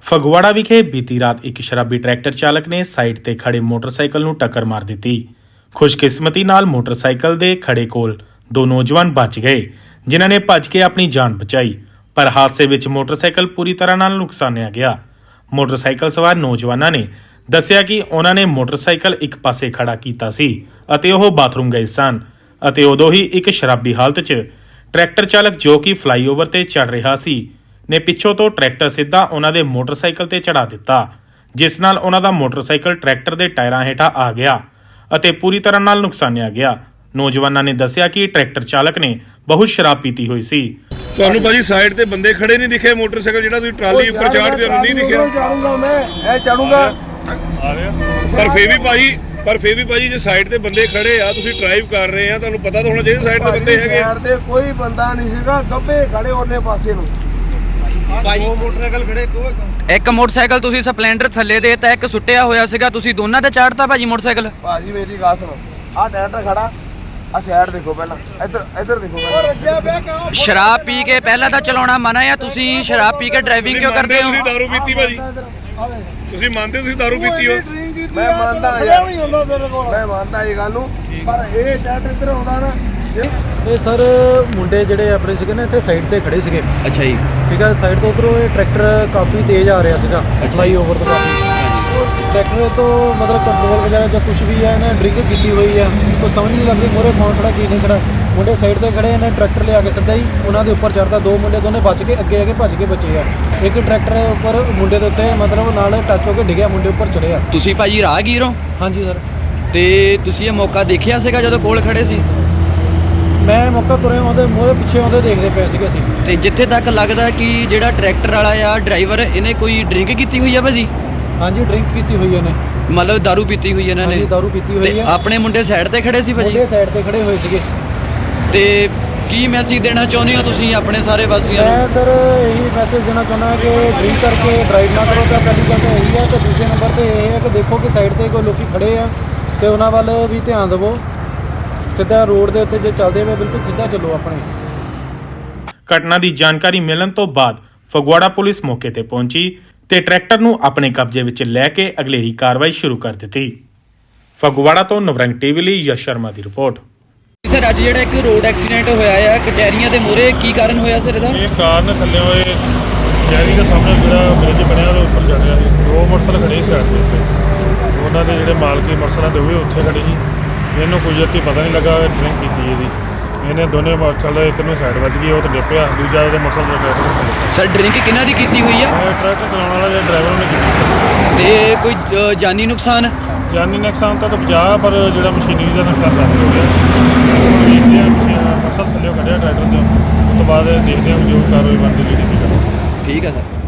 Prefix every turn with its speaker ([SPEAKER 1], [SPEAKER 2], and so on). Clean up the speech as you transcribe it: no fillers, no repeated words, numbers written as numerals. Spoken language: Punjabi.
[SPEAKER 1] ਫਗਵਾੜਾ ਵਿਖੇ ਬੀਤੀ ਰਾਤ ਇੱਕ ਸ਼ਰਾਬੀ ਟਰੈਕਟਰ ਚਾਲਕ ਨੇ ਸਾਈਡ ਤੇ ਖੜੇ ਮੋਟਰਸਾਈਕਲ ਨੂੰ ਟੱਕਰ ਮਾਰ ਦਿੱਤੀ। ਖੁਸ਼ਕਿਸਮਤੀ ਨਾਲ ਮੋਟਰਸਾਈਕਲ ਦੇ ਖੜੇ ਕੋਲ ਦੋ ਨੌਜਵਾਨ ਬਚ ਗਏ, ਜਿਨ੍ਹਾਂ ਨੇ ਭੱਜ ਕੇ ਆਪਣੀ ਜਾਨ ਬਚਾਈ, ਪਰ ਹਾਦਸੇ ਵਿੱਚ ਮੋਟਰਸਾਈਕਲ ਪੂਰੀ ਤਰ੍ਹਾਂ ਨਾਲ ਨੁਕਸਾਨਿਆ ਗਿਆ। ਮੋਟਰਸਾਈਕਲ ਸਵਾਰ ਨੌਜਵਾਨਾਂ ਨੇ ਦੱਸਿਆ ਕਿ ਉਹਨਾਂ ਨੇ ਮੋਟਰਸਾਈਕਲ ਇੱਕ ਪਾਸੇ ਖੜਾ ਕੀਤਾ ਸੀ ਅਤੇ ਉਹ ਬਾਥਰੂਮ ਗਏ ਸਨ ਅਤੇ ਉਦੋਂ ਹੀ ਇੱਕ ਸ਼ਰਾਬੀ ਹਾਲਤ 'ਚ ਟਰੈਕਟਰ ਚਾਲਕ ਜੋ ਕਿ ਫਲਾਈਓਵਰ ਤੇ ਚੜ ਰਿਹਾ ਸੀ ਨੇ ਪਿੱਛੋਂ ਤੋਂ ਟਰੈਕਟਰ ਸਿੱਧਾ ਉਹਨਾਂ ਦੇ ਮੋਟਰਸਾਈਕਲ ਤੇ ਚੜਾ ਦਿੱਤਾ, ਜਿਸ ਨਾਲ ਉਹਨਾਂ ਦਾ ਮੋਟਰਸਾਈਕਲ ਟਰੈਕਟਰ ਦੇ ਟਾਇਰਾਂ ਹੇਠਾਂ ਆ ਗਿਆ ਅਤੇ ਪੂਰੀ ਤਰ੍ਹਾਂ ਨਾਲ ਨੁਕਸਾਨਿਆ ਗਿਆ। ਨੌਜਵਾਨਾਂ ਨੇ ਦੱਸਿਆ ਕਿ ਟਰੈਕਟਰ ਚਾਲਕ ਨੇ ਬਹੁਤ ਸ਼ਰਾਬ ਪੀਤੀ ਹੋਈ ਸੀ।
[SPEAKER 2] ਤੁਹਾਨੂੰ ਭਾਜੀ ਸਾਈਡ ਤੇ ਬੰਦੇ ਖੜੇ ਨਹੀਂ ਦਿਖੇ? ਮੋਟਰਸਾਈਕਲ ਜਿਹੜਾ ਤੁਸੀਂ ਟਰਾਲੀ ਉੱਪਰ ਚਾੜਦੇ ਹੋ ਨਹੀਂ ਦਿਖਿਆ?
[SPEAKER 3] ਚੜੂਗਾ ਮੈਂ ਇਹ ਚੜੂਗਾ
[SPEAKER 2] ਪਰ ਫੇਰ ਵੀ ਭਾਜੀ ਜੇ ਸਾਈਡ ਤੇ ਬੰਦੇ ਖੜੇ ਆ, ਤੁਸੀਂ ਡਰਾਈਵ ਕਰ ਰਹੇ ਆ, ਤੁਹਾਨੂੰ ਪਤਾ ਤਾਂ ਹੋਣਾ ਚਾਹੀਦਾ ਸਾਈਡ ਤੇ ਬੰਦੇ ਹੈਗੇ।
[SPEAKER 3] ਸਾਈਡ ਤੇ ਕੋਈ ਬੰਦਾ ਨਹੀਂ ਸੀਗਾ, ਗੱਬੇ ਖੜੇ ਉਹਨੇ ਪਾਸੇ ਨੂੰ।
[SPEAKER 2] ਦੋ ਮੋਟਰਸਾਈਕਲ ਖੜੇ,
[SPEAKER 4] ਇੱਕ ਮੋਟਰਸਾਈਕਲ ਤੁਸੀਂ ਸਪਲੈਂਡਰ ਥੱਲੇ ਦੇ ਤਾਂ ਇੱਕ ਸੁੱਟਿਆ ਹੋਇਆ ਸੀਗਾ, ਤੁਸੀਂ ਦੋਨਾਂ ਤੇ ਚਾੜਤਾ ਭਾਜੀ ਮੋਟਰਸਾਈਕਲ।
[SPEAKER 3] ਭਾਜੀ ਮੇਰੀ ਗੱਲ ਸੁਣੋ, ਆਹ ਟਰੈਕਟਰ ਖੜਾ, ਆ ਸਾਈਡ ਦੇਖੋ ਪਹਿਲਾਂ, ਇੱਧਰ ਦੇਖੋ ਪਹਿਲਾਂ।
[SPEAKER 4] ਸ਼ਰਾਬ ਪੀ ਕੇ ਪਹਿਲਾਂ ਤਾਂ ਚਲਾਉਣਾ ਮਨਾ ਆ, ਤੁਸੀਂ ਸ਼ਰਾਬ ਪੀ ਕੇ ਡਰਾਈਵਿੰਗ ਕਿਉਂ ਕਰਦੇ ਹੋ?
[SPEAKER 2] ਤੁਸੀਂ ਦਾਰੂ ਪੀਤੀ ਭਾਜੀ? ਤੁਸੀਂ ਮੰਨਦੇ ਹੋ ਤੁਸੀਂ ਦਾਰੂ ਪੀਤੀ ਹੋ?
[SPEAKER 3] ਮੈਂ ਮੰਨਦਾ ਯਾਰ, ਮੈਂ ਮੰਨਦਾ ਇਹ ਗੱਲ ਨੂੰ, ਪਰ ਇਹ ਟਰੈਕਟਰ ਇੱਧਰ ਆਉਂਦਾ ਨਾ।
[SPEAKER 5] ਇਹ ਸਰ ਮੁੰਡੇ ਜਿਹੜੇ ਆਪਣੇ ਸੀਗੇ ਨਾ ਇੱਥੇ ਸਾਈਡ ਤੇ ਖੜੇ ਸੀਗੇ,
[SPEAKER 4] ਅੱਛਾ ਜੀ,
[SPEAKER 5] ਠੀਕ ਹੈ। ਸਾਈਡ ਤੋਂ ਉਧਰੋਂ ਇਹ ਟਰੈਕਟਰ ਕਾਫੀ ਤੇਜ਼ ਆ ਰਿਹਾ ਸੀਗਾ, ਫਲਾਈਓਵਰ ਤੋਂ ਕਾਫੀ। ਟਰੈਕਟਰ ਤੋਂ ਮਤਲਬ ਕੰਟਰੋਲ ਵਗੈਰਾ ਜਾਂ ਕੁਝ ਵੀ ਹੈ, ਇਹਨੇ ਡਰਿੰਕ ਕੀਤੀ ਹੋਈ ਹੈ, ਕੋਈ ਸਮਝ ਨਹੀਂ ਲੱਗਦੀ ਮੋਰੇ ਕੌਣ ਖੜਾ ਕੀ ਨਹੀਂ ਖੜਾ। ਮੁੰਡੇ ਸਾਈਡ ਤੇ ਖੜੇ, ਇਹਨੇ ਟਰੈਕਟਰ ਲਿਆ ਕੇ ਸਿੱਧਾ ਹੀ ਉਹਨਾਂ ਦੇ ਉੱਪਰ ਚੜ੍ਹਦਾ। ਦੋ ਮੁੰਡੇ ਦੋਨੇ ਬਚ ਕੇ ਅੱਗੇ ਆ ਕੇ ਭੱਜ ਕੇ ਬਚੇ ਆ। ਇੱਕ ਟਰੈਕਟਰ ਉੱਪਰ ਮੁੰਡੇ ਦੇ ਉੱਤੇ ਮਤਲਬ ਨਾਲ ਟੱਚ ਹੋ ਕੇ ਡਿੱਗਿਆ, ਮੁੰਡੇ ਉੱਪਰ ਚੜਿਆ।
[SPEAKER 4] ਤੁਸੀਂ ਭਾਜੀ ਰਾਹਗੀਰ ਹੋ?
[SPEAKER 5] ਹਾਂਜੀ ਸਰ।
[SPEAKER 4] ਤੇ ਤੁਸੀਂ ਇਹ ਮੌਕਾ ਦੇਖਿਆ ਸੀਗਾ ਜਦੋਂ ਕੋਲ ਖੜੇ ਸੀ?
[SPEAKER 5] ਮੈਂ ਮੌਕਾ ਤੁਰਿਆ, ਉਹਦੇ ਮੋਰੇ ਪਿੱਛੇ ਉਹਦੇ ਦੇਖਦੇ ਪਏ ਸੀਗੇ ਅਸੀਂ।
[SPEAKER 4] ਤੇ ਜਿੱਥੇ ਤੱਕ ਲੱਗਦਾ ਕਿ ਜਿਹੜਾ ਟਰੈਕਟਰ ਵਾਲਾ ਆ ਡਰਾਈਵਰ, ਇਹਨੇ ਕੋਈ ਡਰਿੰਕ ਕੀਤੀ ਹੋਈ ਆ ਭਾਜੀ?
[SPEAKER 5] ਹਾਂਜੀ ਡਰਿੰਕ ਕੀਤੀ ਹੋਈ ਇਹਨੇ,
[SPEAKER 4] ਮਤਲਬ ਦਾਰੂ ਪੀਤੀ ਹੋਈ ਇਹਨਾਂ ਨੇ?
[SPEAKER 5] ਹਾਂਜੀ ਦਾਰੂ ਪੀਤੀ ਹੋਈ
[SPEAKER 4] ਤੇ
[SPEAKER 5] ਹੈ।
[SPEAKER 4] ਆਪਣੇ ਮੁੰਡੇ ਸਾਈਡ ਤੇ ਖੜੇ ਸੀ ਭਾਜੀ?
[SPEAKER 5] ਮੁੰਡੇ ਸਾਈਡ ਤੇ ਖੜੇ ਹੋਏ ਸੀਗੇ।
[SPEAKER 4] ਤੇ ਕੀ ਮੈਸੇਜ ਦੇਣਾ ਚਾਹੁੰਦੇ ਹੋ ਤੁਸੀਂ ਆਪਣੇ ਸਾਰੇ ਵਾਸੀਆਂ ਨੂੰ?
[SPEAKER 5] ਮੈਂ ਸਰ ਇਹੀ ਮੈਸੇਜ ਦੇਣਾ ਚਾਹੁੰਦਾ ਕਿ ਡਰਿੰਕ ਕਰਕੇ ਡਰਾਈਵ ਨਾ ਕਰੋ। ਤਾਂ ਪਹਿਲੀ ਗੱਲ ਤਾਂ ਇਹੀ ਹੈ, ਤੇ ਦੂਜੇ ਨੰਬਰ ਤੇ ਇਹ ਹੈ ਕਿ ਦੇਖੋ ਕਿ ਸਾਈਡ ਤੇ ਕੋਈ ਲੋਕੀ ਖੜੇ ਆ ਤੇ ਉਹਨਾਂ ਵੱਲ ਵੀ ਧਿਆਨ ਦਿਵੋ। ਸਿੱਧਾ ਰੋਡ ਦੇ ਉੱਤੇ ਜੇ ਚੱਲਦੇ ਹੋਏ ਬਿਲਕੁਲ ਸਿੱਧਾ ਚੱਲੋ ਆਪਣੇ।
[SPEAKER 1] ਘਟਨਾ ਦੀ ਜਾਣਕਾਰੀ ਮਿਲਣ ਤੋਂ ਬਾਅਦ ਫਗਵਾੜਾ ਪੁਲਿਸ ਮੌਕੇ ਤੇ ਪਹੁੰਚੀ ਤੇ ਟਰੈਕਟਰ ਨੂੰ ਆਪਣੇ ਕਬਜ਼ੇ ਵਿੱਚ ਲੈ ਕੇ ਅਗਲੇਰੀ ਕਾਰਵਾਈ ਸ਼ੁਰੂ ਕਰ ਦਿੱਤੀ। ਫਗਵਾੜਾ ਤੋਂ ਨਵਰੰਗ ਟੀਵੀ ਲਈ ਯਸ਼ ਸ਼ਰਮਾ ਦੀ ਰਿਪੋਰਟ।
[SPEAKER 4] ਸਰ ਅੱਜ ਜਿਹੜਾ ਇੱਕ ਰੋਡ ਐਕਸੀਡੈਂਟ ਹੋਇਆ ਆ ਕਚਹਿਰੀਆਂ ਦੇ ਮੂਹਰੇ, ਕੀ ਕਾਰਨ ਹੋਇਆ ਸਰ ਇਹਦਾ?
[SPEAKER 2] ਇਹ ਕਾਰ ਨੇ ਥੱਲੇ ਹੋਏ ਕਚਹਿਰੀ ਦੇ ਸਾਹਮਣੇ ਜਿਹੜਾ ਬ੍ਰਿਜ ਬਣਿਆ ਉਹਦੇ ਉੱਪਰ ਚੜ ਰਿਹਾ ਸੀ। ਦੋ ਮੋਟਰਸਾਈਕਲ ਖੜੇ ਸੀ ਸਾਈਡ ਦੇ ਉੱਤੇ, ਉਹਨਾਂ ਦੇ ਜਿਹੜੇ ਮਾਲਕੀ ਮੋਟਰਸਾਈਕਲ ਦੇ ਉਹ ਉੱਥੇ ਖੜੇ ਸੀ। ਇਹਨੂੰ ਕੋਈ ਅੱਤੀ ਪਤਾ ਨਹੀਂ ਲੱਗਾ ਡਰਿੰਕ ਕੀਤੀ ਇਹਦੀ। ਇਹਨੇ ਦੋਨੇ ਮੋਟਰਸਾਈਕਲ, ਇੱਕ ਨੂੰ ਸਾਈਡ ਵੱਜ ਗਈ, ਉਹ ਤੇ ਡਿੱਪਿਆ, ਦੂਜਾ ਉਹਦੇ ਮੋਟਰਸਾਈਕਲ ਦੇ ਟਰੈਕਟਰ।
[SPEAKER 4] ਸਰ ਡਰਿੰਕ ਕਿਹਨਾਂ ਦੀ ਕੀਤੀ ਹੋਈ ਆ?
[SPEAKER 2] ਟਰੈਕਟਰ ਚਲਾਉਣ ਵਾਲਾ ਜਿਹੜਾ ਡਰਾਈਵਰ ਉਹਨੇ ਕੀਤੀ।
[SPEAKER 4] ਤੇ ਕੋਈ ਜਾਨੀ ਨੁਕਸਾਨ?
[SPEAKER 2] ਜਾਨੀ ਨੁਕਸਾਨ ਤਾਂ ਬਚਾ, ਪਰ ਜਿਹੜਾ ਮਸ਼ੀਨਰੀ ਦਾ ਨੁਕਸਾਨ ਕਾਫੀ ਹੋ ਗਿਆ। ਦੇਖਦੇ ਹਾਂ ਮੋਟਰਸਾਈਕਲ ਥੱਲੇ ਕੱਢਿਆ ਟਰੈਕਟਰ ਤੋਂ, ਉਸ ਤੋਂ ਬਾਅਦ ਦੇਖਦੇ ਹਾਂ ਜੋ ਕਾਰਵਾਈ ਬਣਦੀ ਜਿਹੜੀ।
[SPEAKER 4] ਠੀਕ ਹੈ ਸਰ।